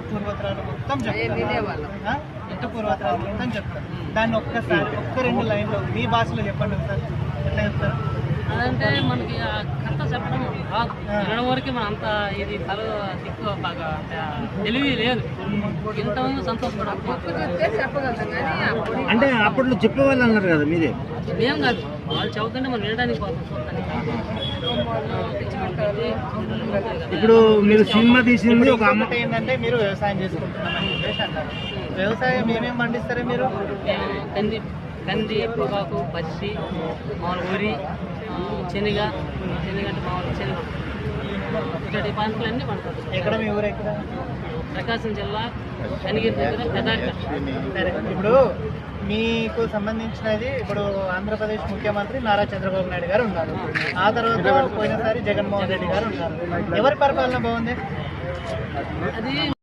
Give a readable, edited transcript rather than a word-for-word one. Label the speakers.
Speaker 1: పూర్వత్రాలు మొత్తం చెప్తారు. ఇంటి పూర్వత్రాలు మొత్తం చెప్తారు. దాన్ని ఒక్కసారి ఒక్క 2 లైన్లో మీ భాషలో చెప్పండి సార్. ఎట్లా చెప్తారు?
Speaker 2: అదంటే మనకి కథ చెప్పడం రాదు. వినడం వరకు మన అంత ఇది తల దిక్కు బాగా తెలివి లేదు. ఇంతమంది సంతోషపడాలి
Speaker 3: అంటే అప్పట్లో చెప్పేవాళ్ళు అన్నారు కదా మీరే?
Speaker 2: ఏం కాదు, వాళ్ళు చదువుతుంటే మనం వినడానికి పోతాం చూడటానికి.
Speaker 3: ఇప్పుడు మీరు సినిమా తీసింది ఒక అమ్మ
Speaker 1: ఏంటంటే మీరు వ్యవసాయం చేసుకుంటున్నామని చెప్పేసి అంటారు. వ్యవసాయం ఏమేమి పండిస్తారే మీరు?
Speaker 2: కంది, పొగాకు, పచ్చి, మామూలు వరి, శనగ అంటే మామూలు శనగ, ఇట్లాంటి పంటలన్నీ పండుతారు.
Speaker 1: ఎక్కడ మీ ఊరు ఎక్కడ?
Speaker 2: ప్రకాశం జిల్లా కనిగిరి దగ్గర పెదాక.
Speaker 1: సరే, ఇప్పుడు మీకు సంబంధించినది ఇప్పుడు ఆంధ్రప్రదేశ్ ముఖ్యమంత్రి నారా చంద్రబాబు నాయుడు గారు ఉన్నారు. ఆ తర్వాత పోయినసారి జగన్మోహన్ రెడ్డి గారు ఉన్నారు. ఎవరి పరిపాలన బాగుంది?
Speaker 2: అది